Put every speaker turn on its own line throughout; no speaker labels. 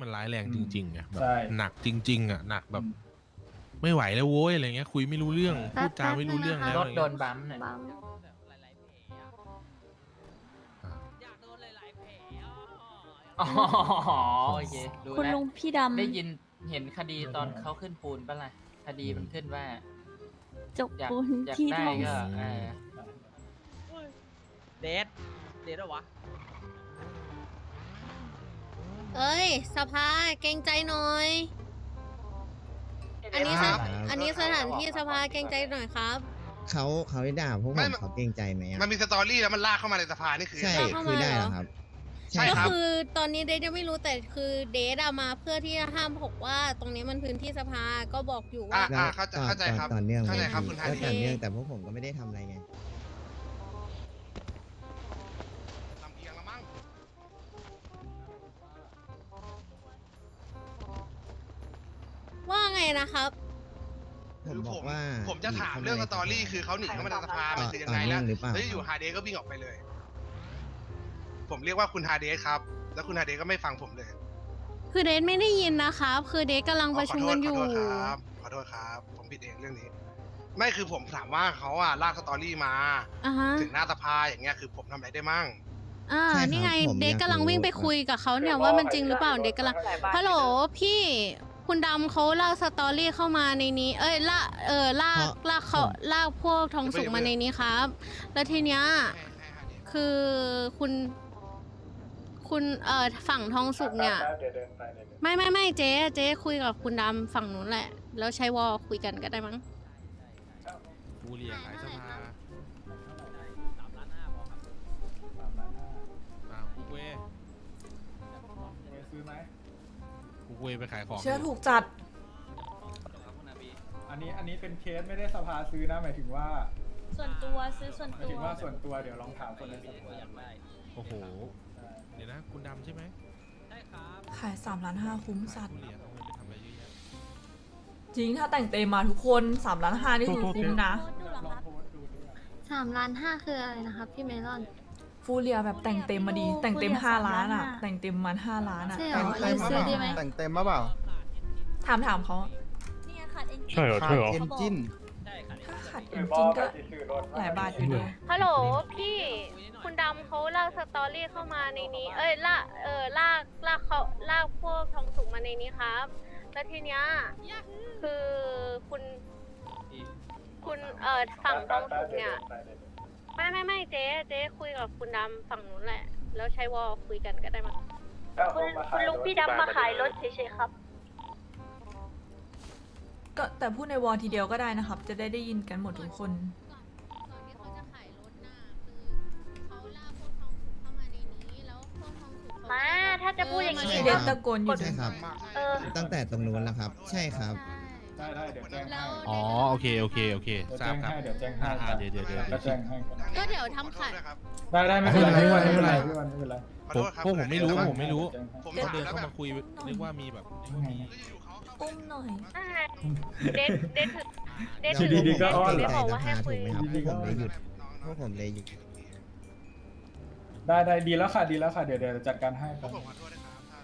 มันร้ายแรงจริงๆไงแบบ
ใช่
หนักจริงๆอ่ะหนักแบบไม่ไหวแล้วโว้ยอะไรเงี้ยคุยไม่รู้เรื่องพูดจาไม่รู้เรื่องแล้ว
ร
อะ
ถ
ไร
โด
เงี้ย
นบัมป์เนี่ย
อ่ะ
อ๋อโอเครู้
คุณ
แล้ว
ลุงพี่ดำ
ได้ยินเห็นคดีตอนเขาขึ้นปูนปะล่ะคดีมันขึ้นว่า
จก
อยาก
ปูน
อยาก
ที่
ได้
ท้อง
ก็
เดทเหรอวะ
เอ้ยสภาเกรงใจหน่อย อันนี้สถานที่สภาเกรงใจหน่อยครับ
เขาได้ด่าพวกผมเขาเกรงใจไหมอะ
มันมีสตอรี่แล้วมันลากเข้ามาในสภานี่คือ
ใช่
ลากเข้ามา
คือได้
เหรอ
เหรอครับ
ใช่
ก็
ครับ
คือตอนนี้เดทยังไม่รู้แต่คือเดทอะมาเพื่อที่จะห้ามบอกว่าตรงนี้มันพื้นที่สภาก็บอกอยู่ว่า
แล้ว
เข้าใจครับ
ต่อเนื่อง
เข้าใจครับคุณฮา
ก็
ดี
ต่อเนื่องแต่พวกผมก็ไม่ได้ทำอะไรไง
ลำเอียงแล้วมั้ง
ว่าไงนะครับ
ผมบอกว่า
ผมจะถามเรื่องสตอรี่คือเขาหนีเข้ามาในสภามันคือยังไง
ต่อเนื่
แล้
อ
ว
งหรือเปล่า
แล้วอยู่ฮาเดสก็วิ่งออกไปเลย ผมเรียกว่าคุณฮาเดสครับ แล้วคุณฮาเดสก็ไม่ฟังผมเลย
คือเดทไม่ได้ยินนะครับ คือเดทกำลังประชุมกันอยู่
ขอโทษครับขอโทษครับ ผมผิดเองเรื่องนี้ ไม่คือผมถามว่าเขาอะลากสตอรี่มา
อ่าฮะ
ถึงหน้าสภาอย่างเงี้ยคือผมทำอะไรได้มั่ง
อ่า
ใช่ครับ
นี่ไง
ผม
เดท
อยาก
กำลังวิ่งไป
รู้
คุยกับเขาเนี่ยว่ามันจริงหรือเปล่าเดทกำลังฮัลโหลพี่คุณดำเขาลากสตอรี่เข้ามาในนี้ เอ้ยลากเขาลากพวกทองสุกมาในนี้ครับ แล้วทีเนี้ย
ให้ฮาเดส
คือคุณฝั่งทองสุกเนี่ย
เดี๋ยวเดินไปเลย
ไม่เจ๊คุยกับคุณดำฝั่งนู้นแหละ แล้วใช้วอลคุยกันก็ได้มั้ง
ฟูเรียขายสภา
3,500,000พอครับ
คุกเว
ซื้อไหม
คุกเวไปขายของ
เชื่อถูกจัด
อันนี้เป็นเคสไม่ได้สภาซื้อนะหมายถึงว่า
ส่วนตัวซื้อส่วน
หมาย
ตั
ถึ
ว
งว่าส่วนตัวเดี๋ยวลองถามคนในสภา
อยากได้
โอ้โหเดี๋ยวนะคุณดำใช่ไหม
ใช่ครับ
ขาย3.5 ล้านคุ้มสัตว์
ฟูเรียเอาเงินไปทำอะไรเยอะแยะ
จริงถ้าแต่งเต็มมาทุกคน3.5 ล้านนี่คือคุ้มนะ
ลองโพสต์ดูดิ
3,500,000คืออะไรนะครับพี่เมลอน
ฟูเรียแบบแต่งเต็มมาดี แต่งเต็ม5 ล้านอ่ะ แต่งเต็มมัน5 ล้านอ่ะ
ใช่เหรอ
แต่ง
ซื้อดีไหม
แต่งเต็มมาเปล่า
ถามเขา
นี่ขาดเอ็น
ใช่เหรอใช่เหรอ
เอนจิน
ใช่ครับ
ถ้าขาดจริงๆก็หลายบาทอยู่ดี
ฮัลโหลพี่คุณดำเขาลากสตอรี่เข้ามาในนี้ เอ้ยลากพวกทองสุกมาในนี้ครับ แล้วทีเนี้ยคือคุณฝั่งทองสุกเนี่ย ไม่เจ๊คุยกับคุณดำฝั่งนู้นแหละ แล้วใช้วอลคุยกันก็ได้มั้ง
คุณลุงพี่ดำมาขายรถเฉยๆครับ
ก็แต่พูดในวอลทีเดียวก็ได้นะครับ จะได้ยินกันหมดทุกคน
ก่อนที่เขาจะขายรถน่ะคือเขาลากพวกทองสุกเข้ามาในนี้แล้วพวกทองสุกเข
มาถ้าจะพูดอย่างนี้
ใช่
เด็
ค
ก
รับ
ตะโกนอยู่
ใช่ครับ
เออ
ตั้งแต่ตรงนู้นแล้วครับ ใช่ครับ
ได้เดี๋ยวแจ้งให้
อ๋อโอเคทราบครับ
เดี๋ยวแจ้งให้
เดี๋ยว
ก็แจ้งให้กัน
ก็เดี๋ยวทำขาย
ได้ไม่เป็นไรพี่วันไม่เป็นไรพี่วันไม่เป็นไร
ขอโทษครับ
พวกผมไม่รู้
ขอโทษ
ผมไม่รู้
ผม
เขา
ถาม
เดิน
แล้ว
เข้า
แบบ
มาคุยนึกว่ามีแบบนึกว่ามี
อยู่ๆเขาเข้า
อุ้มหน่อย
เด็ด
ดีๆก็อ้อนเหรอ
บอกว่าให้คุย
ถูกไหมครับพวกผมเลยหยุดพวกผมเลยหยุด
ได้ดีแล้วค่ะเดี๋ยวจัดการให้
พ
คว รั
ก
บ
ผมขอโทษนะครับถ้า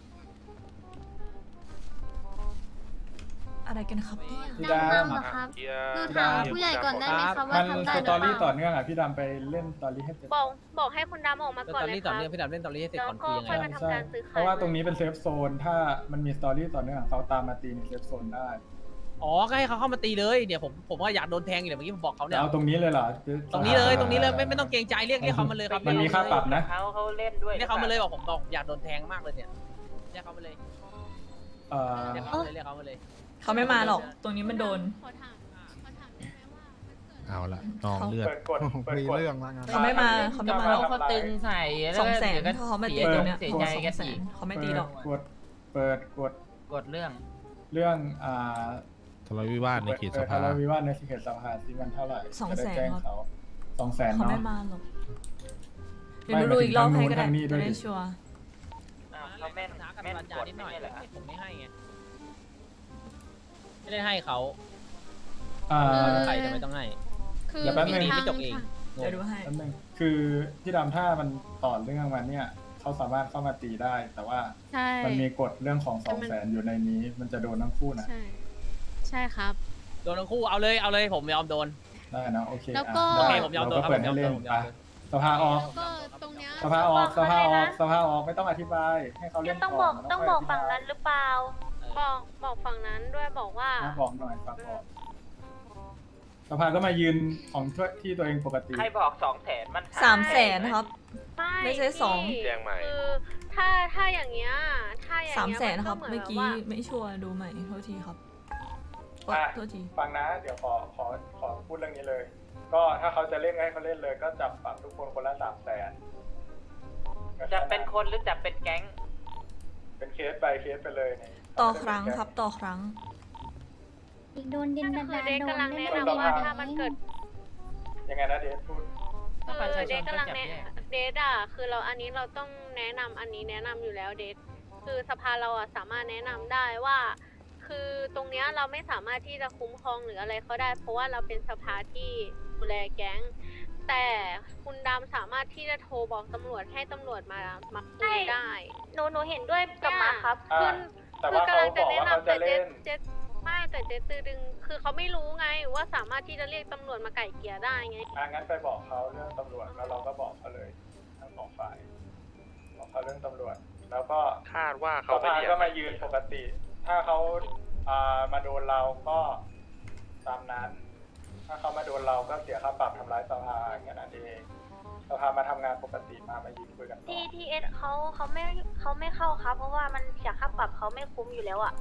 อะไรกันครับเนี่ย
พี่
ดำ
ดำ
เหรอครับ
เฮีย
ดูถามผู้ใหญ่ก่อนได้ไหมครับว่า
มัน
ทำได้
ส
หรือ
ตอ
เป
รี่ต่อ
ล่า
เนื่องอ่ะพี่ดำไปเล่นสตอรี่ให้เสร็จ
บอกให้คุณดำออกมาก่อนเลยครับ
พี่ดำเล่นตอรี่ให้เสร็จ
แล้ว
ก่อน
ก็
คุยยังไง
ค่อยมาทำการซื้อ
เพ
ขาย
ราะว่าตรงนี้เป็นเซฟโซนถ้ามันมีสตอรี่ต่อเนื่องเขาตามมาตีในเซฟโซนได้
อ๋อก็ให้เขาเข้ามาตีเลยเดี๋ยวผมว่าอยากโดนแทงอยู่เดี๋ยวเมื่อกี้ผมบอกเขาเนี่ย
เอาตรงนี้เลยเหรอ
ตรงนี้เลยไม่ต้องเกรงใจเรียกเขามาเลยครับ
มันมีค่าปรับนะ
เขาเล่นด้วย
เรียกเขามาเลยบอกผมบอกอยากโดนแทงมากเลยเนี่ยเรียกเขามาเลย
เอ่อ
เรียกเขามาเลย
เขาไม่มาหรอก ตรงนี้มันโดน
ขอถามได้ไหมว่ามันเกิด
เอาละนองเลือด
มีเรื่องแล้วงั้น
เขาไม่มาหรอก
เขาตึงใส่
200,000ถ้าเขามาตีตรงเนี้ย
เสีย
ตัว
ใจ
200,000
กันอีก
เขาไม่ตีหรอก
เปิดกด
กดเรื่อง
เรื่อง
ทะเลาะวิวาทในเขตสภา
ทะเลาะวิวาทในเขตสภาที่มันเท่าไหร่
200,000
จะได้แจ้งเขา200,000
เขา
เนาะ
ไม่มาหรอกเดี๋ยวดูอีกรอบให้ก็ได้
ทางนี้ด้
จะ
วย
ได้ชัวร์
เขาแม่น
กับ
แม่น
ปัญ
ก
ญา
ด
นิดหน่อย
ไม่ใช่เหรอ
ผมไม่ให้ไงไม่ได้ให้เขา ใครจะไม่ต้องให้
คือ
เดี๋ยวแป๊บนึง
มีทาง
ไม่จบเอง
เดี๋ยวดูให้
แป๊บนึงคือที่ดำถ้ามันต่อเรื่องมาเนี่ยเขาสามารถเข้ามาตีได้ แต่ว่า
ใช่
มันมีกฎเรื่องของ
แต่มัน
200,000อยู่ในนี้ มันจะโดนทั้งคู่นะ
ใช่ ใช่ครับ
โดนทั้งคู่เอาเลยผมยอมโดน
ได้นะโอเค
แล้วก็
ได้
โอเคผมยอมโดน
เราก็เปิดให้เล่น
ผมยอม
ไป
โดน
สภาออก
แล้วก็ตรงเนี้ย
สภาออกสภาออกสภาออกไม่ต้องอธิบายให้เขาเล่
ยั
น
งต้องบอก
น
ต้องบอกฝั่งนั้นหรือเปล่า
บอกฝั่งนั้นด้วยบอกว่า
นะบอกหน่อยฝากบอกสภาก็มายืนของที่ตัวเองปกติ
ใครบอก200,000มัน
300,000ครับ ไม่ใช่สอง
พี่
แจ้งใหม่
คือถ้าอย่างเงี้ยถ้าอย่าง
300,000
เงี้ย
ครับ
นห
เมื่อกี้
ว่า
ไม่ชัวร์ดูใหม่โทษทีครับโทษที
ฟังนะ เดี๋ยวขอพูดเรื่องนี้เลย ก็ถ้าเขาจะเล่นก็ให้เขาเล่นเลย ก็จับปรับทุกคนคนละ300,000
จะเป็นคนหรือจะเป็นแก๊ง
เป็นเคสไปเคสไปเลยเนี่ย
ต่อครั้งครับต่อครั้ง
อีกโดนดิน
คื
ดา
อเด็ก
โด
กำลั
น
ง
ไม่
แนะ
ได้
นำว่าถ้ามันเกิด
ยังไงนะเดชพูด
คือเดทกำลังแนะเดทอ่ะคือเราอันนี้เราต้องแนะนำอันนี้แนะนำอยู่แล้วเดทคือสภาเราอ่ะสามารถแนะนำได้ว่า คือตรงเนี้ยเราไม่สามารถที่จะคุ้มครองหรืออะไรเขาได้ เพราะว่าเราเป็นสภาที่ดูแลแก๊ง แต่คุณดำสามารถที่จะโทรบอกตำรวจให้ตำรวจมาคุยได้
หนูเห็นด้วยกับมาครับ
อ่า แต่ว่าเขาบอกว่าเขาจะเล่น
ไม่แต่เจตือดึง คือเขาไม่รู้ไงว่าสามารถที่จะเรียกตำรวจมาไก่เกลี่ยได้ไง
งั้นไปบอกเขาเรื่องตำรวจแล้วเราก็บอกเขาเลยทั้งสองฝ่ายบอกเขาเรื่องตำรวจ แล้วก็
คาดว่า
ส
เขาไม่
ภา
เรียก
ก็มายืนปกติ ถ้าเขามาโดนเราก็ตามนั้น ถ้าเขามาโดนเราก็เสียค่าปรับทำร้ายสภาแค่นั้นเองสภามาทำงานปกติมายืนคุยกันต่อ
ทีเอสเขาไม่เข้าครับ เพราะว่ามันเสียค่าปรับเขาไม่คุ้มอยู่แล้วอ่ะ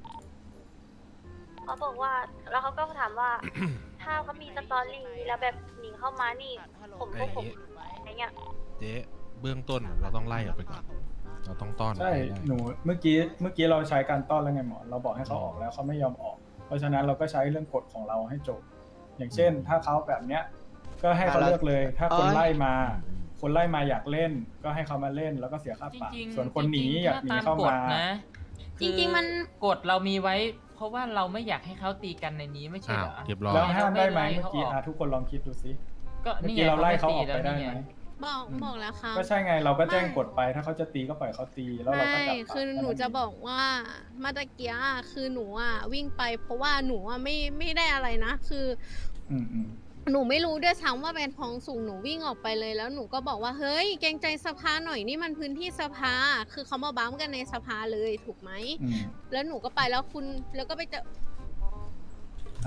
เขาบอกว่าแล้วเขาก็ถามว่า ถ้าเขามีสตอรี่แล้วแบบหนีเข้ามานี่ผมอะไรเงี้ย
เจ๊เบื้องต้นเราต้องไล่ออกไปก่อน เราต้องต้อน
ใช่
ให้ได้
หนูเมื่อกี้เราใช้การต้อนแล้วไงหมอเราบอกให้เขาออกแล้วเขาไม่ยอมออก เพราะฉะนั้นเราก็ใช้เรื่องกฎของเราให้จบ อย่างเช่น ถ้าเขาแบบเนี้ยก็ให้เขาเลือกเลย ถ้าคนไล่มา คนไล่มาอยากเล่น ก็ให้เขามาเล่นแล้วก็เสียค่า
จ
ปรับ
ริงๆ
ส่วนคนหนีอยากหนี
ถ้
เข้า
ตกฎ
มา
นะ
จริงๆมัน
กฎเรามีไว้ เพราะว่าเราไม่อยากให้เขาตีกันในนี้ไม่ใช่
อ้าว
เหรอ
เรียบร้อย
แล้วห้ามได้ไหม
เราไม่ไล่
เมื่อกี้
เขาออก
ทุกคนลองคิดดูซิ
ก็
เมื่อ
นี่
กี้
ไง
เราไล่
เขา
เขาอ
ไม่
อก
ตี
ไป
แล้ว
ได้
นี่
ไหม
ไง
บอกแล้วครับ
ก็ใช่ไงเราก็แจ้งกฎไป ถ้าเขาจะตีก็ปล่อยเขาตีแล้วเราก็จับ
ไม่คือหนูจะบอกว่าเมาตะเกียคือหนูอ่ะวิ่งไป เพราะว่าหนูอ่ะไม่ได้อะไรนะ คือ
อืม
หนูไม่รู้ด้วยซ้ำว่าเป็นท้องสูงหนูวิ่งออกไปเลยแล้วหนูก็บอกว่าเฮ้ยเกรงใจสภาหน่อยนี่มันพื้นที่สภา คือเขามาบัมกันในสภาเลยถูกไหม
อืม
แล้วหนูก็ไปแล้วแล้วก็ไปเจอ
เอา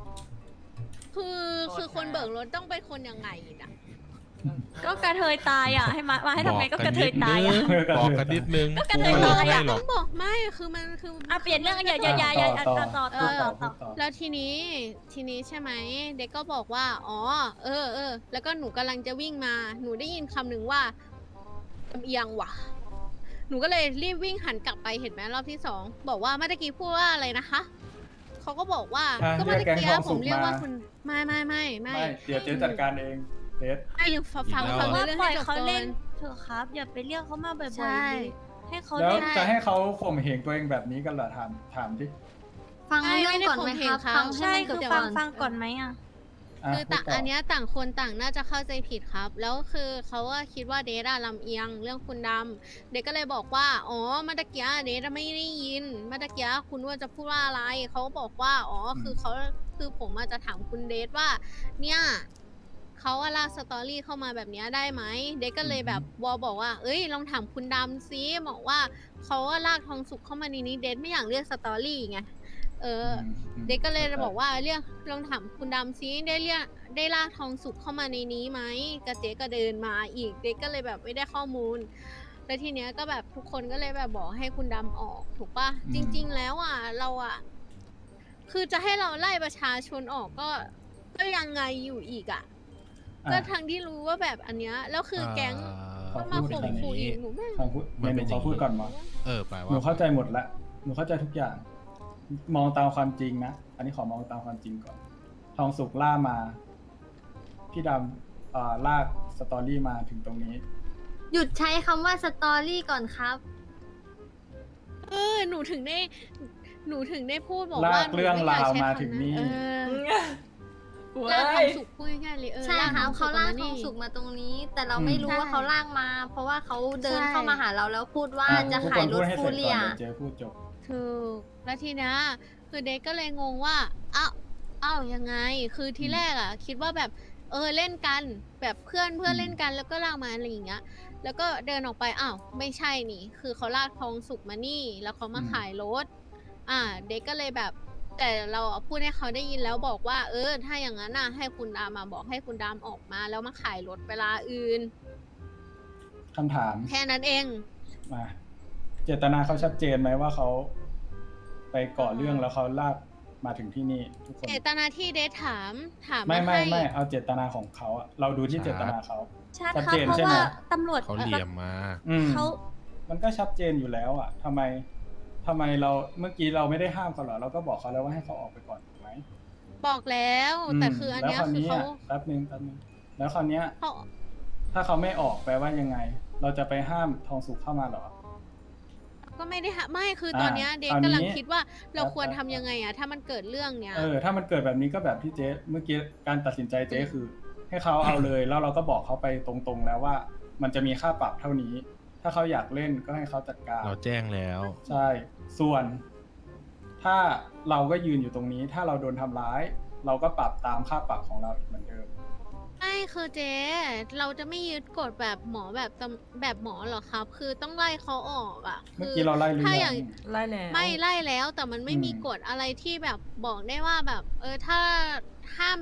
คือคนเบิกรถต้องเป็นคนยังไงอ่ะ
ก็กระเทยตายอ่ะให้มาให้ทำไงก็กระเทยตาย
นิ
อ่ะ
ดนึงบอกกันนิดนึง
ก็กระเทย
กู
ตาย
ไม่
อะ
ให้หร
ต้
อ
อก งบอกไม่คือมันคือ
อ่ะเปลี่ยนเรื่องอย่าต่อ
พูดต่อ
แล้วทีนี้ใช่ไหมเด็กก็บอกว่าอ๋อแล้วก็หนูกำลังจะวิ่งมาหนูได้ยินคำหนึ่งว่าลำเอียงว่ะ หนูก็เลยรีบวิ่งหันกลับไปเห็นไหมรอบที่สองบอกว่าเมื่อกี้พูดว่าอะไรนะคะเขาก็บอกว่า
อ่ะ
ก็เมื่อ
เรียกแก๊ง
กี้
ทองสุ
ผ
ก
มเรียกว่า
มา
คุณไม่
ไม่เดี๋ยวเจ๊จัดการเองเจ๊
ไม่ยังฟัง
อีกแล้ว
เรื่อง
ปล่
ให้
อย
จบ
เขา
ก่อ
เล่น
น
เถอะครับ อย่าไปเรียกเขามาบ่อย
ใช่
ๆให้เขา
แล้ว
เล่น
จะให้เขาข่มเหงตัวเองแบบนี้กันเหรอถามที่
ฟังเรื่องก่อนไหมครับฟังใช่คือฟังก่อนไหมอ่ะ
คือต่างอันเนี้ยต่างคนต่างน่าจะเข้าใจผิดครับ แล้วคือเขาก็คิดว่าเดทอะลำเอียงเรื่องคุณดำเด็กก็เลยบอกว่าอ๋อเมื่อกี้เดทไม่ได้ยินเมื่อกี้คุณว่าจะพูดว่าอะไรเขาก็บอกว่าอ๋อคือผมอาจจะถามคุณเดทว่า เนี่ยเขาว่าลากสตอรี่เข้ามาแบบเนี้ยได้ไหมเด็กก็เลยแบบบอกว่าเอ้ยลองถามคุณดำซิบอกว่าเขาว่าลากทองสุกเข้ามาในนี้เดทไม่อยากเรียกสตอรี่ไงเด็กก็เลยบอกว่าเรียกลองถามคุณดำซิได้ลากทองสุกเข้ามาในนี้ไหมกระเจ๊ก็เดินมาอีกเด็กก็เลยแบบไม่ได้ข้อมูล แล้วทีเนี้ยก็แบบทุกคนก็เลยแบบบอกให้คุณดำออกถูกปะจริง ๆ แล้วอ่ะเราอ่ะคือจะให้เราไล่ประชาชนออกก็ยังไงอยู่อีกอ่ะก็ทั้งที่รู้ว่าแบบอันเนี้ยแล้วคือแก๊งก็มาข่มขู่อีกหนูไม่
ฟังพูดเมนูเขาพูดก่อนหมอ
แปล
หนู
ว่า
เข้าใจหมดละหนูเข้าใจทุกอย่าง มองตามความจริงนะอันนี้ขอมองตามความจริงก่อนทองสุกล่ามาพี่ดำลากสตอรี่มาถึงตรงนี้
หยุดใช้คำว่าสตอรี่ก่อนครับ
หนูถึงได้พูดบอก
ลา
ว่าก
เรื่องราวมา
หนูไอยกใช้คำ
ถึงนี่
เออ
กู
ลากทองสุกพูดง่ายๆเลย
ใช่
ลาก
ค่ะ
ทองสุ
เขา
ก
ลาก
มา
ท
นี่
องสุกมาตรงนี้ แต่เราไม่รู้ว่าเขาลากมา เพราะว่าเขาเดินเข้ามาหาเราแล้วพูดว่า
อ่ะ
จะ
ทุก
ขา
ค
ย
น
ร
พู
ถ
ดให้
ฟู
เสร็จ
เรี
ก่อย นเดี๋ยวเจ๊พูดจบ
ถูกแล้วทีเนี้ยคือเด็กก็เลยงงว่าอ้าวยังไงคือทีแรกอ่ะ คิดว่าแบบเล่นกันแบบเพื่อนเล่นกันแล้วก็ลากมาอะไรอย่างเงี้ย แล้วก็เดินออกไปอ้าวไม่ใช่นี่ คือเขาลากทองสุกมานี่ แล้วเขามาขายรถเด็กก็เลยแบบ แต่เราพูดให้เขาได้ยินแล้วบอกว่าถ้าอย่างนั้นน่ะให้คุณดามาบอกให้คุณดามออกมาแล้วมาขายรถเวลาอื่น
คำถาม
แค่นั้นเอง
มาเจตนาเขาชัดเจนไหมว่าเขาไปก่อเรื่องแล้วเขาลากมาถึงที่นี่ทุกคน
เจตนาที่เดทถาม
ไม่
มาให้
เอาเจตนาของเขาอะเราดูที่เจตนาเขา
ชัด
ชัด
ครับ
เจน
เพราะ
ใช่ไหม
ว่าตำรวจ
เขาเหลี่ยมมา
เขา
มันก็ชัดเจนอยู่แล้วอะทำไมเราเมื่อกี้เราไม่ได้ห้ามเขาเหรอเราก็บอกเขาแล้วว่าให้เขาออกไปก่อนถูกไหม
บอกแล้วแต่คืออันเนี้ย
แล้วคราว
คือ
นี้
เขา
แป๊บนึงแล้วคราวเนี้ย
เขา
ถ้าเขาไม่ออกแปลว่ายังไง เราจะไปห้ามทองสุกเข้ามาเหรอ
ก็ไม่ได้ไม่คือตอนเนี้ยเด็ก
คราวนี้
กำลังคิดว่าเราควรทำยังไงถ้ามันเกิดเรื่องเนี้ย
ถ้ามันเกิดแบบนี้ก็แบบที่เจ๊เมื่อกี้การตัดสินใจเจ๊คือ ให้เขาเอาเลยแล้วเราก็บอกเขาไปตรงๆแล้วว่า มันจะมีค่าปรับเท่านี้ ถ้าเขาอยากเล่นก็ให้เขาจัดการ
เราแจ้งแล้ว
ใช่ ส่วน ถ้าเราก็ยืนอยู่ตรงนี้ ถ้าเราโดนทำร้าย เราก็ปรับตามค่าปรับของเราอีกเหมือนเดิม
ไม่คือเจ๊เราจะไม่ยึดกฎแบบหมอแบบหมอหรอครับ คือต้องไล่เขาออกอ่ะ
เมื่อกี้เราไล่หรือ
ถ้าอ
ยั
ย่าง
ง
ไล่แล้ว
ไม่ไล่แล้วแต่มันไม่มี
อืม
กฎอะไรที่แบบบอกได้ว่าแบบ ถ้าแบบ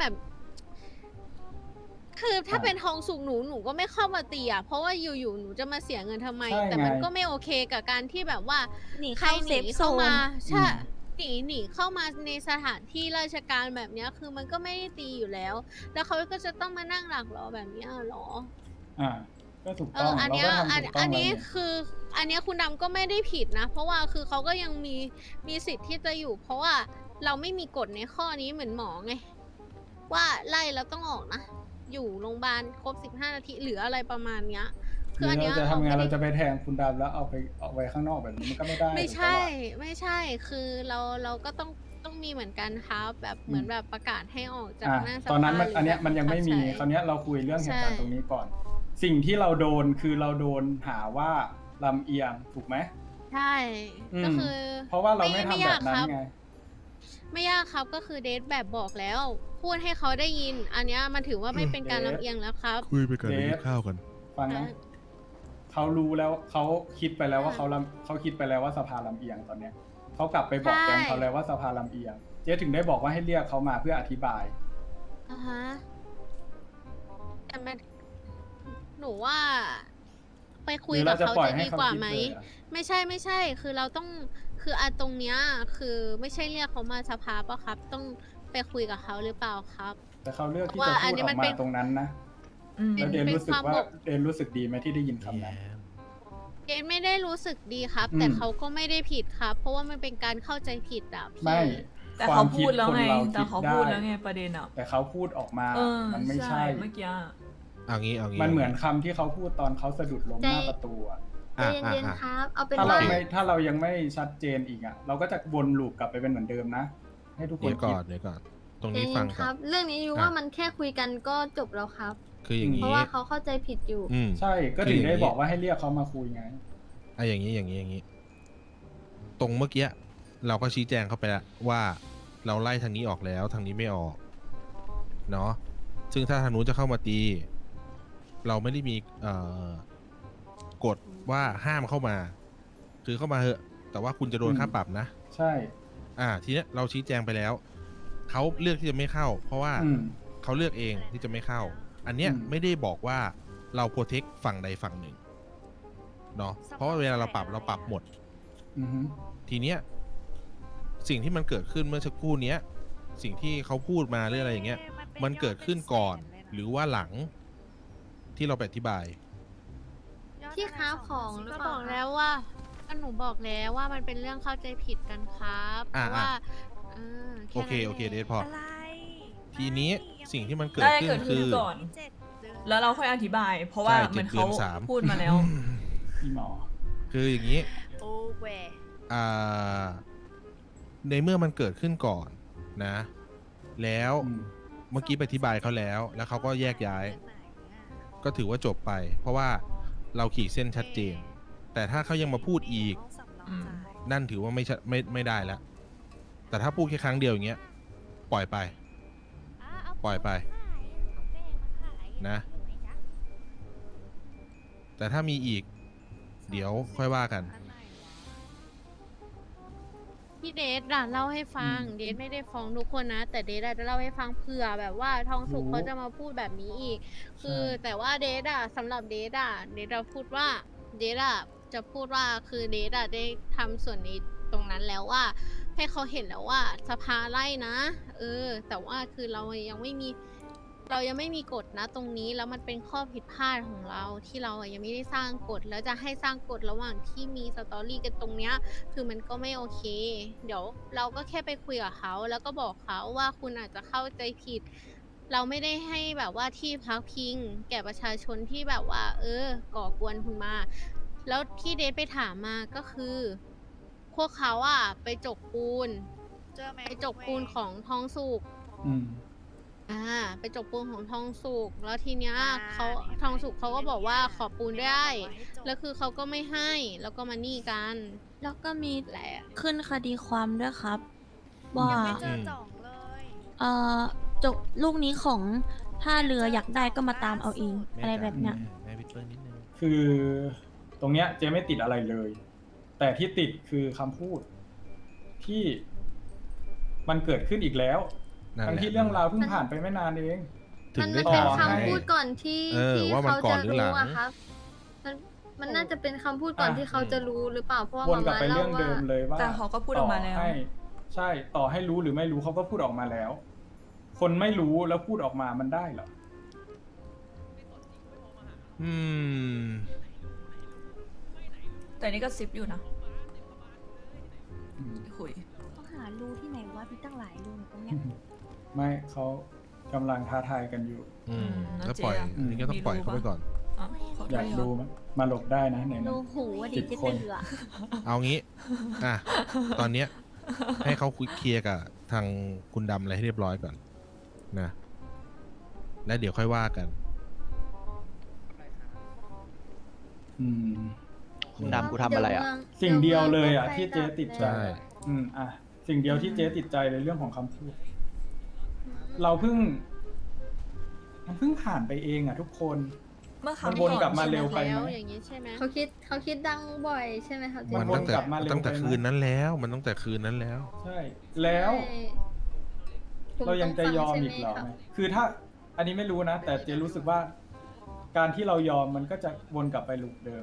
คือถ้าเป็นทองสุกหนูก็ไม่เข้ามาตีอ่ะเพราะว่าอยู่ๆหนูจะมาเสียเงินทำไม
ใช่
แต่มัน
ไง
ก็ไม่โอเคกับการที่แบบว่า
หนี
ใคร
เข้า
ห
เซ
นี
ฟโซ
เข้าน มาใช่
อืม
หนีเข้ามาในสถานที่ราชการแบบเนี้ยคือมันก็ไม่ได้ตีอยู่แล้ว แล้วเขาก็จะต้องมานั่งหลักรอแบบเนี้ยเหรอ
ก็ถูกต้อง
อัน
เรา
เนี้ย
ก็ทำ
อัน
ถูกต้อ
อั
ง
น
แล้ว
นี้
นี่
คืออันเนี้ยคุณดำก็ไม่ได้ผิดนะ เพราะว่าคือเขาก็ยังมีสิทธิ์ที่จะอยู่ เพราะว่าเราไม่มีกฎในข้อนี้เหมือนหมอไง ว่าไล่แล้วต้องออกนะ อยู่โรงพยาบาลครบ15 นาทีหรืออะไรประมาณเนี้ย
ห
คื
รือ อ
อันเนี้ย
เราจะทำงาน
ไม่
เรา
ได้
จะไปแทงคุณดำแล้วเอาไว้ข้างนอกแบบนี้มันก็ไม่ได้
ไม่
ถูกปะ
ใช่
ล่ะ
ไม่ใช่ คือเราก็ต้องมีเหมือนกันครับแบบเหมือนแบบประกาศให้ออกจาก
อ่ะ
หน้าส
ตอนนั้น
ภา
มัน
หรื
อันเนี้ย
แบบ
มันยังไม่มี
บังคับใช้
คราวเนี้ยเราคุยเรื่องเหตุการณ์
ใช่
ตรงนี้ก่อน สิ่งที่เราโดนคือเราโดนหาว่าลำเอียงถูกไหม
ใช่
อืม
ก็คือ
เพราะว่าเราไม่ทำแบบนั้น
ยากครับ
ไง
ไม่ยากครับก็คือเดทแบบบอกแล้ว พูดให้เขาได้ยิน อันเนี้ยมันถือว่าไม่เป็นการลำเอียงแล้วครับ
คุยไปกัน
เดฟ
กินข้าวกัน
ฟังนะเขารู้แล้วเขาคิดไปแล้วว่าเขาคิดไปแล้วว่าสภาลำเอียงตอนเนี้ยเขากลับไปบอก
ใช่
แกงเขาแล้วว่าสภาลำเอียง เจ๊ถึงได้บอกว่าให้เรียกเขามาเพื่ออธิบาย
อ่าฮะแต่มันหนูว่า ไปคุย
หรือ
กั
เรา
บ
จะ
เขา
ปล่อย
จะ
ให้
ดี
เขา
กว่า
คิด
ไหม
เลยอะ
ไม่ใช่ คือเราต้องคือตรงเนี้ยคือไม่ใช่เรียกเขามาสภาปะครับ ต้องไปคุยกับเขาหรือเปล่าครับ
แต่เขาเลือกที่
ว่า
จะ
อั
พู
น
ด
นี้
ออ
มัน
ก
เป็
มาน ตรงนั้นนะ
อืม
แล้วเดน
เป็น
รู้สึก
ความ
ว่า
บก
เดนรู้สึกดีไหมที่ได้ยินคำนั้น
เดทไม่ได้รู้สึกดีครับ
อืม
แต่เขาก็ไม่ได้ผิดครับ เพราะว่ามันเป็นการเข้าใจผิดอ่ะพี่
ไม่
แต่
ควา
เขา
ม
พูดแล้วไง
คิด
แต่เขา
คนร
พูด
คิ
แล้วไงประเด็นอ่ะ
แต่เขาพูดออกมา มันไม่ใช่
เมื่อกี้อะ
เอางี้
มันเหมือนคำที่เขาพูดตอนเขาสะดุดล้มหน้าประตูอะ
ใจเย็นๆครับ เอาเป็น
ถ้า
ว่า
ถ้าเรายังไม่ชัดเจนอีกอะเราก็จะวนลูปกลับไปเป็นเหมือนเดิมนะ ให้ทุกค
เดี๋
น
ยว
คิ
ก่
ด
อนเดี๋ยวก่อน ตรง
ใจ
นี้
เย็
ฟัง
นๆค
ก่อ
รั
น
บ เรื่องนี้ยู
อ่ะ
ว่ามันแค่คุยกันก็จบแล้วครับ
คืออย่าง
เพ
นี้
ราะว่าเขาเข้าใจผิดอยู่
ใช่ก็ถึงได้บอกว่าให้เรียกเขามาคุยไง
อย่างนี้ ตรงเมื่อกี้เราก็ชี้แจงเข้าไปแล้วว่าเราไล่ทางนี้ออกแล้วทางนี้ไม่ออกเนาะซึ่งถ้าทางนู้นจะเข้ามาตี เราไม่ได้มีกฎว่าห้ามเข้ามา คือเข้ามาเหอะ แต่ว่าคุณจะโดนค่าปรับนะ
ใช่
ทีเนี้ยเราชี้แจงไปแล้วเขาเลือกที่จะไม่เข้า เพราะว่า
อืม
เขาเลือกเองที่จะไม่เข้า อันเนี้ย
อืม
ไม่ได้บอกว่าเราโปรเทคฝั่งใดฝั่งหนึ่งเนาะเพราะว่าเวลาเราปรับหมด
อือฮึ
ทีเนี้ยสิ่งที่มันเกิดขึ้นเมื่อสักครู่เนี้ยสิ่งที่เขาพูดมาหรืออะไรอย่างเงี้ยมันเกิดขึ้นก่อน หรือว่าหลังที่เราไปอธิบาย
ที่ค้าของหรือ
ก็
เปล่า
บอกแล้วว่าหนูบอกแล้วว่ามันเป็นเรื่องเข้าใจผิดกันครับเพ
อ่ะ
ราะว่าแ
โอเค
นั้น
โอเค
ง
เดทพอทีนี้สิ่งที่มันเกิด
ได้
ขึ้น
เกิด
คื
ขึ้น
อ
ก่อน แล้วเราค่อยอธิบาย เพราะว่า
ใช่
เหมือน
7 เดื
เขา
อน 3
พูดมาแล้ว
อีหมอ
คืออย่างนี้
โอ้เว
ในเมื่อมันเกิดขึ้นก่อนนะ แล้ว
อืม
เมื่อกี้ไปอธิบายเขาแล้ว แล้วเขาก็แยกย้าย ก็ถือว่าจบไป เพราะว่าเราขีดเส้นชัดเจน แต่ถ้าเขายังมาพูดอีก นั่นถือว่าไม่ได้แล้ว แต่ถ้าพูดแค่ครั้งเดียวอย่างเงี้ย ปล่อยไป ปล่อยไปนะ แต่ถ้ามีอีก เดี๋ยวค่อยว่ากัน
พี่เดชอะเล่าให้ฟัง เดชไม่ได้ฟ้องทุกคนนะ แต่เดชอะจะเล่าให้ฟังเผื่อแบบว่าทองสุกเขาจะมาพูดแบบนี้อีก คือแต่ว่าเดชอะสำหรับเดชอะเดชอะพูดว่าเดชอะจะพูดว่าคือเดชอะได้ทำส่วนนี้ตรงนั้นแล้วว่า ให้เขาเห็นแล้วว่าสภาไล่นะ แต่ว่าคือเรายังไม่มีกฎนะตรงนี้แล้วมันเป็นข้อผิดพลาดของเราที่เรายังไม่ได้สร้างกฎแล้วจะให้สร้างกฎระหว่างที่มีสตอรี่กันตรงเนี้ยคือมันก็ไม่โอเค เดี๋ยวเราก็แค่ไปคุยกับเขาแล้วก็บอกเขาว่าคุณอาจจะเข้าใจผิด เราไม่ได้ให้แบบว่าที่พักพิงแก่ประชาชนที่แบบว่า ก่อกวนคุณมา แล้วที่เดทไปถามมาก็คือ พวกเขาอะไปจกปูนของทองสุก ไปจกปูนของทองสุกแล้วทีเนี้ยเขาทองสุกเขาก็บอกว่าขอปูนได้แล้วคือเขาก็ไม่ให้แล้วก็มานี่กัน
แล้วก็มี
แหละ
ขึ้นคดีความด้วยครับว่า จกลูกนี้ของท่าเรืออยากได้ก็มาตามเอาเองอะไรแบบเนี้ย
คือตรงเนี้ยเจ๊ไม่ติดอะไรเลย แต่ที่ติดคือคำพูดที่มันเกิดขึ้นอีกแล้ว
นั่นแหละ
ทั้งที่เรื่องราวเพิ่งผ่านไปไม่นานเอง
ถึ
มั
ง
น
ได้
เป็น
ถาม
คำ
ให้
พูดก่อนที่ ที่
ว่ามัน
เขา
ก่อ
จะ
นหรือหลั
รู้
ง
อะครับ มันน่าจะเป็นคำพูดก่อนที่เขาจะรู้หรือเปล่าเพราะว่า
วนกลับ
มา
ไป
เล่า
เรื่อง
ว่า
เดิมเลยว่า
แต่เขาก็พูดออกมาแล้ว
ต่ให้ใช่ต่อให้รู้หรือไม่รู้เขาก็พูดออกมาแล้ว คนไม่รู้แล้วพูดออกมามันได้เหรอ
อืม
แต่นี่ก็ซิปอยู่นะคุย
เขาหารูที่ไหนวะมีตั้งหลายรูตรงเนี้ย
ไม่เขากำลังท้าทายกันอยู่
แล้วปล่อย
แล้วเจ๊อะ
อันนี้ก็ต้องปล่อยเขาไปก่อน
อ๋อขอโท
อยา
ษ
ก
ครับ
ดูมั้ยมาหลบได้นะไหน
รู
นะ
หูว่าดี
10
จะ
คน
เตือ
เอางี้ ตอนเนี้ย ให้เขาคุยเคลียร์กับทางคุณดำอะไรให้เรียบร้อยก่อน นะ แล้วเดี๋ยวค่อยว่ากัน
อืม
คุณดำกูทำอะไรอ่ะ
สิ่งเดียวเลยอ่ะที่เจ๊ติดใจ
ใช่
สิ่งเดียวที่เจ๊ติดใจเลยเรื่องของคำพูด เราเพิ่งผ่านไปเองอ่ะทุกคน
เมื่อ
มัน
คำ
วน
ก่อน
กลับมาเร็วไป
แล้ว
ไหม
อย่างนี้ใช่ไหม
เขาคิดดังบ่อยใช่ไหมครับเจ๊
มัน
วน
ตั้งแต่
กลับมาเร็ว
ตั้งแต่
ไปไหม
คืนนั้นแล้ว มันตั้งแต่คืนนั้นแล้ว
ใช่ แล้ว
ใช่ผม
เรายังจะยอม
ต้
อีก
ฟั
เหรอ
ใช่ไหม
คือถ้าอันนี้ไม่รู้นะ แต่เจรู้สึกว่า การที่เรายอมมันก็จะวนกลับไปลูปเดิม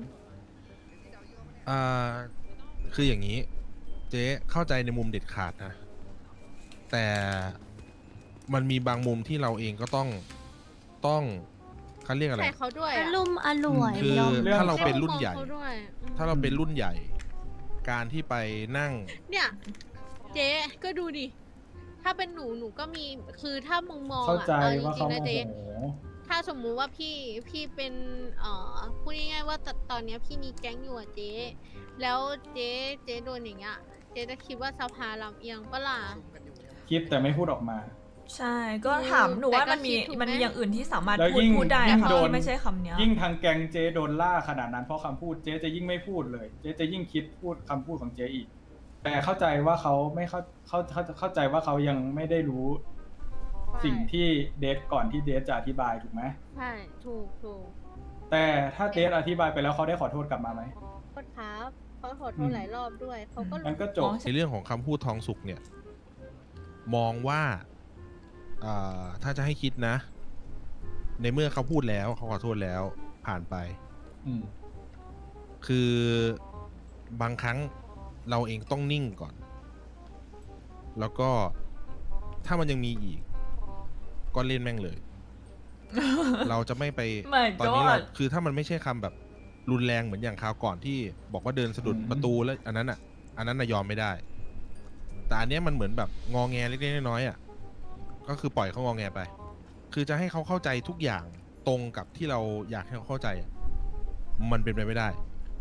คืออย่างนี้ เจ๊เข้าใจในมุมเด็ดขาดนะ แต่มันมีบางมุมที่เราเองก็ต้องเขาเรียกอะไร
ใส่เขาด้วย
อ
อะ
ารมณ์อร่วย
คือย
อม
ถ้าเราเป็นรุ่นใหญ่
ให้เขาด้วย
ถ้าเราเป็นรุ่นใหญ่ การที่ไปนั่ง
เนี่ยเจ๊ก็ดูดิ ถ้าเป็นหนูก็มี คือถ้ามึงมอง
เข้า
อะ
ใจ
เอาจ
ว่า
ริ
เขา
งๆ
โม
นะเจ๊
โห
ถ้าสมมุติว่าพี่เป็นพูดง่ายๆว่าตอนเนี้ยพี่มีแก๊งอยู่อะเจ๊ แล้วเจ๊โดนอย่างเงี้ย เจ๊จะคิดว่าสภาลำเอียงปะล่ะ
คิดแต่ไม่พูดออกมา
ใช่ ก็ถามหนูว่า
แต่ก็
มันมี
คิดถูกไหม
มันมีอย่างอื่นที่สามารถ
แล้ว
พูด
ยิ่ง
พูดได้
ยิ่
อะ
ง
ค่ะ
โดน
ที่ไม่ใช่คำเนี้ย
ยิ่งทางแกงเจโดนล่าขนาดนั้นเพราะคำพูดเจจะยิ่งไม่พูดเลย เจจะยิ่งคิดพูดคำพูดของเจอีก แต่เข้าใจว่าเขาไม่เข้าใจว่าเขายังไม่ได้รู้ สิ่งที่เดทก่อนที่เดทจะอธิบายถูกไหม
ใช่ถูก
แต่ถ้าเดทอธิบายไปแล้วเขาได้ขอโทษกลับมาไหม
โทษครับเขาขอโทษหลายรอบด้วย เขาก็
มันก็จบ
ในเรื่องของคำพูดทองสุกเนี่ย มองว่าถ้าจะให้คิดนะ ในเมื่อเขาพูดแล้วเขาขอโทษแล้วผ่านไป
อืม
คือบางครั้งเราเองต้องนิ่งก่อน แล้วก็ถ้ามันยังมีอีก ก็เล่นแม่งเลย เราจะไม่ไป
My
ตอนนี้เรา
God
คือถ้ามันไม่ใช่คำแบบรุนแรงเหมือนอย่างคราวก่อนที่บอกว่าเดินสะดุดประตูแล้วอันนั้นน่ะยอมไม่ได้ แต่อันเนี้ยมันเหมือนแบบงอแงเล็กๆน้อยๆอ่ะก็คือปล่อยเขางอแงไป คือจะให้เขาเข้าใจทุกอย่างตรงกับที่เราอยากให้เขาเข้าใจอ่ะมันเป็นไปไม่ได้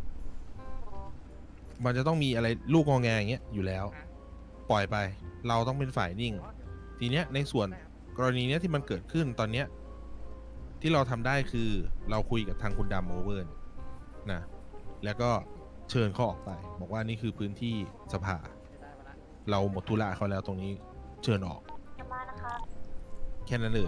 มันจะต้องมีอะไรลูกงอแงอย่างเงี้ยอยู่แล้ว ปล่อยไป เราต้องเป็นฝ่ายนิ่ง ทีเนี้ยในส่วนกรณีเนี้ยที่มันเกิดขึ้นตอนเนี้ยที่เราทำได้คือเราคุยกับทางคุณดำโอเวอร์นะแล้วก็เชิญเขาออกไป บอกว่านี่คือพื้นที่สภาเราหมดธุระเขาแล้วตรงนี้เชิญออก
จะมานะคะ
แค่นั้นเลย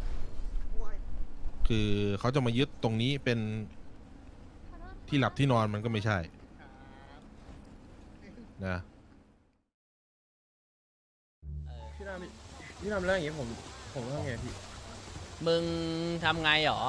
คือเขาจะมายึดตรงนี้เป็นที่หลับที่นอนมันก็ไม่ใช่นะ
พี่ทำเรื่องอย่างนี้ผมต้องไงพี่
มึงทำไงหรอ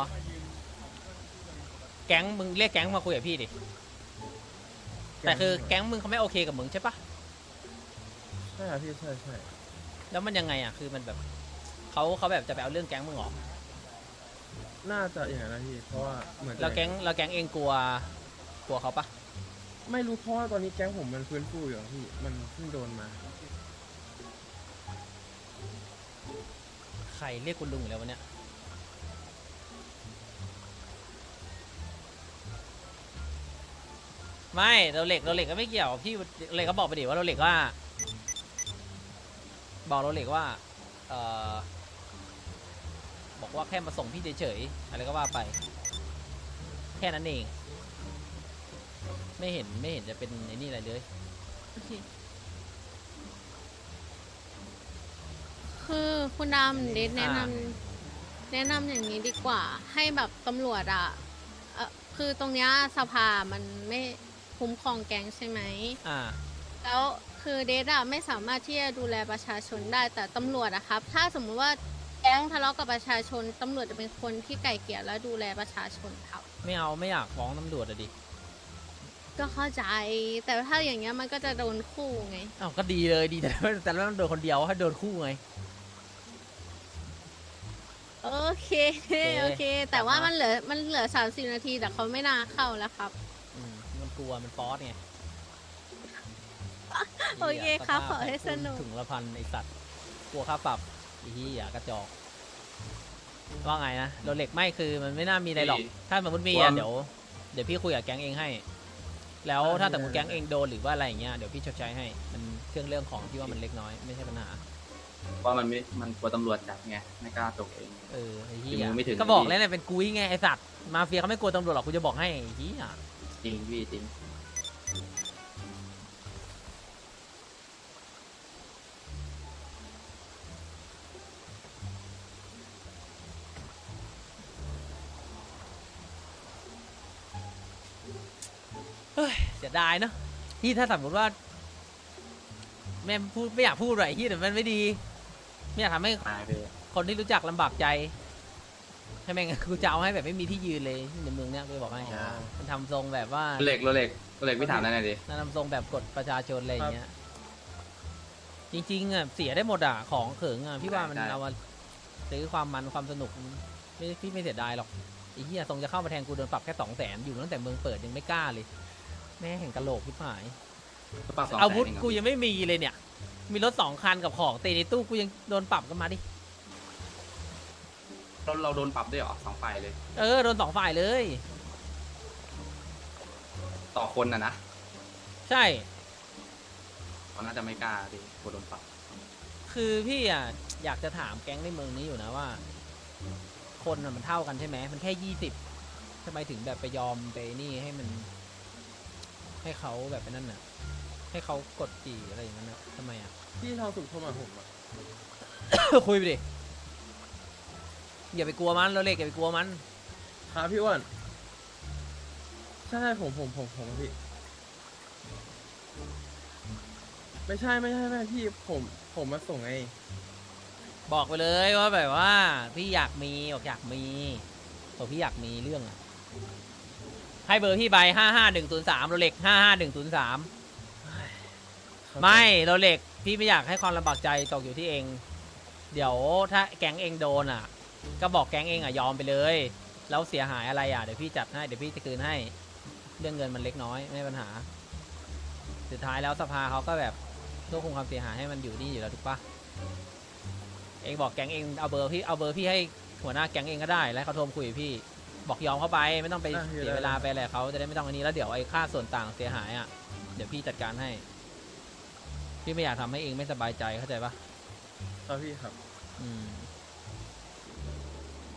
แก๊งมึงเรียกแก๊งมาคุยกับพี่ดิ แต่คือแก๊งมึงเขาไม่โอเคกับมึงใช่ปะ
ใช่ครับพี่ใช่
แล้วมันยังไงอ่ะ คือมันแบบเขาแบบจะไปเอาเรื่องแก๊งมึงเหรอ
น่าจะอย่างนั้นนะพี่เพราะว่าเหมือน
แล้วแก๊งเองกลัวเขาปะ
ไม่รู้เพราะว่าตอนนี้แก๊งผมมันฟื้นฟูอยู่อะพี่มันเพิ่งโดนมา
ใครเรียกคุณลุงอยู่แล้ววันเนี้ยไม่เราเหล็กก็ไม่เกี่ยวพี่เหล็กก็บอกไปดิว่าเราเหล็กว่า บอกเราเหล็กว่าบอกว่าแค่มาส่งพี่เฉยๆอะไรก็ว่าไป แค่นั้นเองไม่เห็นจะเป็นไอ้นี่อะไรเลย
โอเคคือคุณดำเดทแนะนำอย่างนี้ดีกว่า ให้แบบตำรวจอ่ะคือตรงเนี้ยสภามันไม่คุ้มครองแก๊งใช่ไหม แล้วคือเดทอะไม่สามารถที่จะดูแลประชาชนได้แต่ตำรวจอะครับ ถ้าสมมุติว่าแก๊งทะเลาะกับประชาชนตำรวจจะเป็นคนที่ไก่เกลี่ยและดูแลประชาชนครับ
ไม่อยากฟ้องตำรวจอะดิ
ก็เข้าใจแต่ถ้าอย่างเงี้ยมันก็จะโดนคู่ไง
อ้าวก็ดีเลยดีแต่แล้วมันโดนคนเดียวให้โดนคู่ไง
โอเคโอเค แต่ว่ามันเหลือ30 นาทีแต่เขาไม่น่าเข้าแล้วครับ
มันกลัวมันป๊อสไง
โอเคครับขอให้สนุก
ถึงละพันไอสัตว์กลัวค่าปรับไอ้เหี้ยกระจอกว่าไงนะโรเล็กไม่คือมันไม่น่ามีอะไรหรอก ถ้าสมมติมีอ่ะเดี๋ยวพี่คุยกับแก๊งเองให้ แล้วถ้าสมมติแก๊งเองโดนหรือว่าอะไรอย่างเงี้ยเดี๋ยวพี่ชดใช้ให้มันเรื่องของที่ว่ามันเล็กน้อยไม่ใช่ปัญหา
ว่ามันกลัวตำรวจจับไงไม่กล้าตกเอง
ไอ้เหี้
ถึงมือไม่ถึง
ก็บอกแล้วเนี่ยเป็นกุ้ยไงไอสัตว์มาเฟียเขาไม่กลัวตำรวจหรอกกูจะบอกให้ไอ้เหี้ย
จริงพี่จริง
เสียดายเนาะที่ถ้าสมมติว่าแม่พูดไม่อยากพูดอะไรที่แต่มันไม่ดีไม่อยากทำให้
ตายไป
คนที่รู้จักลำบากใจใช่ไหมงั้นกูจะเอาให้แบบไม่มีที่ยืนเลยในเมืองเนี้ยกูจะบอกให้มันทำทรงแบบว่า
โรเล็กพี่ถามได้ไงดิ
ทำทรงแบบกดประชาชนอะไรอย่างเงี้ยจริงๆอ่ะเสียได้หมดอ่ะของเขิงอ่ะพี่ว่ามันเอามาซื้อความมันความสนุกพี่ไม่เสียดายหรอกไอ้เหี้ยทรงจะเข้ามาแทงกูโดนปรับแค่200,000อยู่ตั้งแต่เมืองเปิดยังไม่กล้าเลยแม่แห่งกะโหลกพี่หายอาวุธกูยังไม่มีเลยเนี่ยมีรถ2 คันกับของเตในตู้กูยังโดนปรับกันมาดิ
เราโดนปรับด้วยเหรอ2 ฝ่ายเลย
โดน2 ฝ่ายเลย
ต่อคนนะ
ใช่
เขาน่าจะไม่กล้าดิกลัวโดนปรับ
คือพี่อ่ะอยากจะถามแก๊งในเมืองนี้อยู่นะว่า คนมันเท่ากันใช่ไหมมันแค่20ทำไมถึงแบบไปยอมไปนี่ให้มันให้เขาแบบไปนั่นน่ะให้เขากดจีอะไรอย่างนั้นน่ะทำไมอ่ะ
พี่ทองสุขโทรมาผมอะ
คุยไปดิอย่าไปกลัวมันเราเล็กอย่าไปกลัวมัน
ครับพี่อ้วนใช่ผมอะพี่ไม่ใช่พี่ผมมาส่งไง
บอกไปเลยว่าแบบว่าพี่อยากมีบอกอยากมีบอกพี่อยากมีเรื่องอะให้เบอร์พี่ใบ55103เราเล็ก55103ไม่เราเล็กพี่ไม่อยากให้ความลำบากใจตกอยู่ที่เอง เดี๋ยวถ้าแก๊งเองโดนอ่ะก็บอกแก๊งเองอ่ะยอมไปเลยแล้วเสียหายอะไรอ่ะเดี๋ยวพี่จัดให้เดี๋ยวพี่จะคืนให้เรื่องเงินมันเล็กน้อยไม่มีปัญหาสุดท้ายแล้วสภาเขาก็แบบควบคุมความเสียหายให้มันอยู่นี่อยู่แล้วถูกปะเองบอกแก๊งเองเอาเบอร์พี่ให้หัวหน้าแก๊งเองก็ได้แล้วเขาโทรคุยกับพี่บอกยอมเข้าไปไม่ต้องไปเสียเวลาไปอะไรเขาจะได้ไม่ต้องอันนี้แล้วเดี๋ยวไอ้ค่าส่วนต่างเสียหายอ่ะเดี๋ยวพี่จัดการให้พี่ไม่อยากทำให้เองไม่สบายใจเข้าใจปะ
ครับพี่ครับ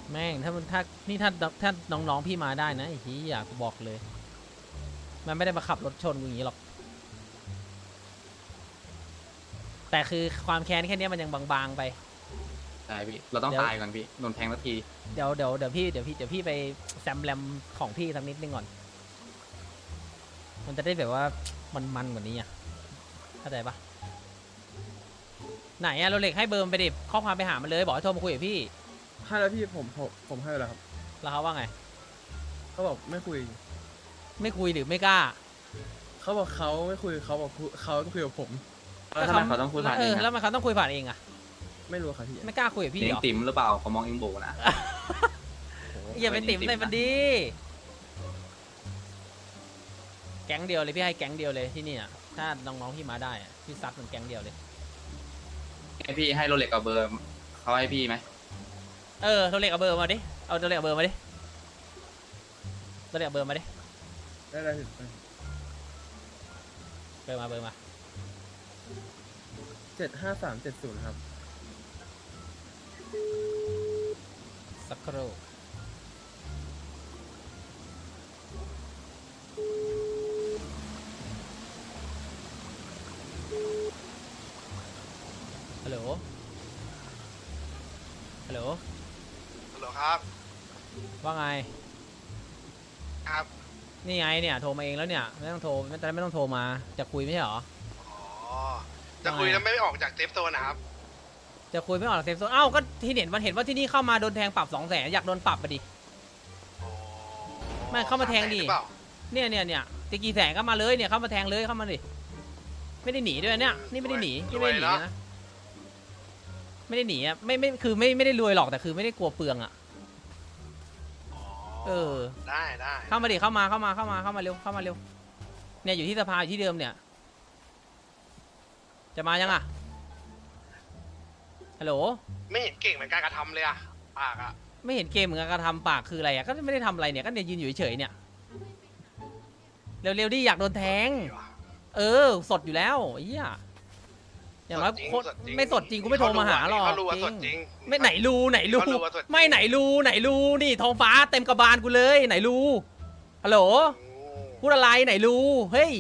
แม่งถ้าน้องๆพี่มาได้นะไอ้ที่อยากบอกเลย มันไม่ได้มาขับรถชนกูอย่างนี้หรอก แต่คือความแค้นแค่เนี้ยมันยังบางๆไป
ใช่พี่เราต้องตายก่อนพี่โดนแทงสักที
เดี๋ยวพี่ไปแซมแรมของพี่สักนิดนึงก่อน มันจะได้แบบว่ามันกว่านี้อ่ะเข้าใจปะไหนอะโรเล็กให้เบอร์มันไปดิข้อความไปหามันเลยบอกให้โทรมาคุยกับพี่
ให้แล้วพี่ผมให้แล้วครับ
แล้วเขาว่าไง
เขาบอกไม่คุย
ไม่คุยหรือไม่กล้า
เขาบอกเขาไม่คุยเขาบอกเขาคุยกับผม
แล้วทำไมเขาต้องคุยผ่านเอง
แล้วมันเขาต้องคุยผ่านเองอะ
ไม่รู้ครับพี่
ไม่กล้าคุยกับพี่
เลี้
เห
ย
รง อ
ติ๋มหรือเปล่าเขามองเองโบนะ
อย่าไปติ่มใส่มันดีแก๊งเดียวเลยพี่ให้แก๊งเดียวเลยที่นี่อะถ้าน้องๆพี่มาได้อะพี่ซัดมันแก๊งเดียวเลย
ให้พี่ให้โรเล็กกับเบอร์เขาให้พี่ไหม
โรเล็กเอาเบอร์มาดิเอาโรเล็กเอาเบอร์มาดิโรเล็กเอาเบอร์มาดิ
ได้พี่
เบอร์มา
75370ครับ
สักครู่ฮัลโหล
ฮัลโหลครับ
ว่าไง
ครับ
นี่ไงเนี่ยโทรมาเองแล้วเนี่ยไม่ต้องโทรไม่ต้องโทรมาจะคุยไม่ใช่เหรอ
อ๋อ จะคุยแล้วไม่ออกจากเซฟโซนนะครับ
จะคุยไม่ออกจากเซฟโซนเอ้าก็ที่เห็นว่าที่นี่เข้ามาโดนแทงปรับ200,000อยากโดนปรับไปดิ
อ๋อ
ไม่เข้ามาแทงดิ
หรือเปล่า
เนี่ยตะกี้แสงก็มาเลยเนี่ยเข้ามาแทงเลยเข้ามาดิไม่ได้หนีด้วยเนี่ยนี่ไม่ได้หนีนี่ไม่ได้หนีนะไม่ได้หนีอ่ะไม่คือไม่ได้รวยหรอกแต่คือไม่ได้กลัวเปลืองอ่ะ
อ๋อ ได้
เข้ามาดิเข้ามาเร็วเข้ามาเร็วเนี่ยอยู่ที่สภาอยู่ที่เดิมเนี่ยจะมายังอ่ะฮัลโหล
ไม่เห็นเก่งเหมือนการกระทำเลยอะปากอะ
ไม่เห็นเกมเหมือนกันกระทำปากคืออะไรอ่ะก็ไม่ได้ทำอะไรเนี่ยก็เนี่ยยืนอยู่เฉยๆเนี่ยเร็วๆดิอยากโดนแทงสดอยู่แล้วไอ้เหี้ยอย่างน้อยคนไม่สดจริงกูไม่โทรมาหาหรอก
เขารู้ว่าสดจริง
ไม่ไหนรู
เขารู้ว่าสดจริง
ไม่ไหนรูนี่ท้องฟ้าเต็มกระบาลกูเลยไหนรูฮัลโหลพูดอะไรไหนรูเฮ้ย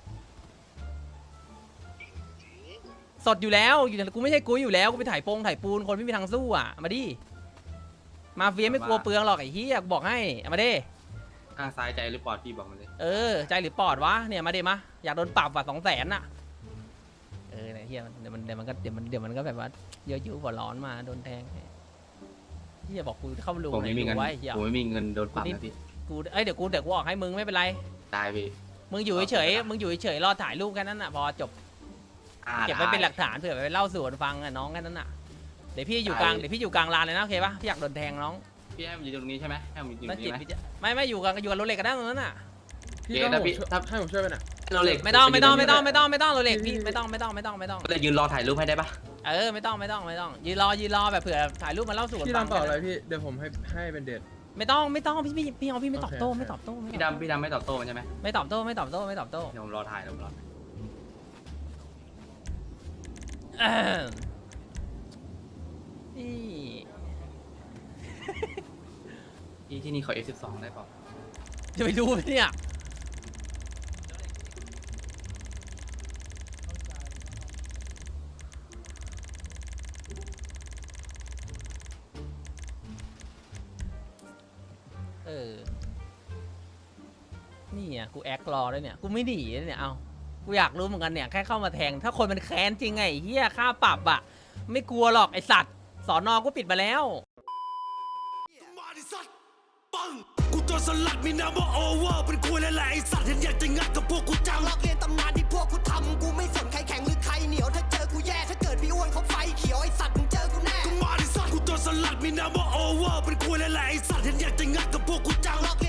สดอยู่แล้วกูไม่ใช่กูอยู่แล้วกูไปถ่ายปูนคนไม่มีทางสู้อ่ะมาดิมาเฟียไม่กลัวเปลืองหรอกไอ้เหี้ยบอกให้มาดิ
ข้างซ้ายใจหรือปอดพี่บอกมาเลย
ใจหรือปอดวะเนี่ยมาดิมาอยากโดนปรับว่ะ200,000น่ะเนี่ยเฮียเดี๋ยวมันก็แบบว่าเยอะๆหัวร้อนมาโดนแทงเฮียบอกกูเข้ามาดู
ผมไม่มีเงิน
ไว้เฮีย
ผมไม่มีเงินโดนปรับนะพี่
กูเดี๋ยวกูออกให้มึงไม่เป็นไร
ตายพี่
มึงอยู่เฉยรอถ่ายรูปแค่นั้นน่ะพอจบเก็บไว้เป็นหลักฐานเผื่อไปเล่าสู่กันฟังอ่ะน้องแค่นั้นน่ะเดี๋ยวพี่อยู่กลางลานเลยนะโอเคปะพี่อยากโดนแทงน้อง
พี่ให้ผมยืนตรงนี้ใช่ไหมให้ผมยืนตรงนี้ไหม
ไม่อยู่กับรถเหล็กกันได้ตรงนั้นน่ะ
พี่ต้องให้ผมช่วยไปหน่อย
โรเล็ก
ไม่ต้องโรเล็กพี่ไม่ต้อง
เลยยืนรอถ่ายรูปให้ได้ปะ
ไม่ต้องยืนรอแบบเผื่อถ่ายรูปมาเล่าสู่กัน
พี่
ฟัง
ทำต่ออะไรพี่เดี๋ยวผมให้เป็นเดท
ไม่ต้องพี่ไม่ตอบโต้
โอเค
ไม่ตอบโต้
พี่ดำไม่ตอบโต้มันใช่ไหม
ไม่ตอบโต้
เดี๋ยวผมรอถ่ายที่นี่เขา F12 ได้เปล่า
จะไปดูเนี่ยนี่อ่ะกูแอครอด้วยเนี่ยกูไม่หนีเลยเนี่ยเอากูอยากรู้เหมือนกันเนี่ยแค่เข้ามาแทงถ้าคนมันแค้นจริงไงเฮียค่าปรับอ่ะไม่กลัวหรอกไอสัตว์สอนอกูปิดมาแล้ว
กูตัวสลัดมีน้ำว่าโอเวอร์เป็นกูและแหละไอสัตว์เห็นอยากจะงัดกับพวกกูจังลอกเรียนตำนานที่พวกกูทำกูไม่สนใครแข็งหรือใครเหนียวถ้าเจอกูแย่ถ้าเกิดพี่อ้วนเขาไฟเขียวไอสัตว์มึงเจอกูแน่กูมาดิสัตว์กูตัวสลัดมีน้ำว่าโอเวอร์เป็นกูและแหละไอสัตว์เห็นอยากจะงัดกับพวกกูจังลอก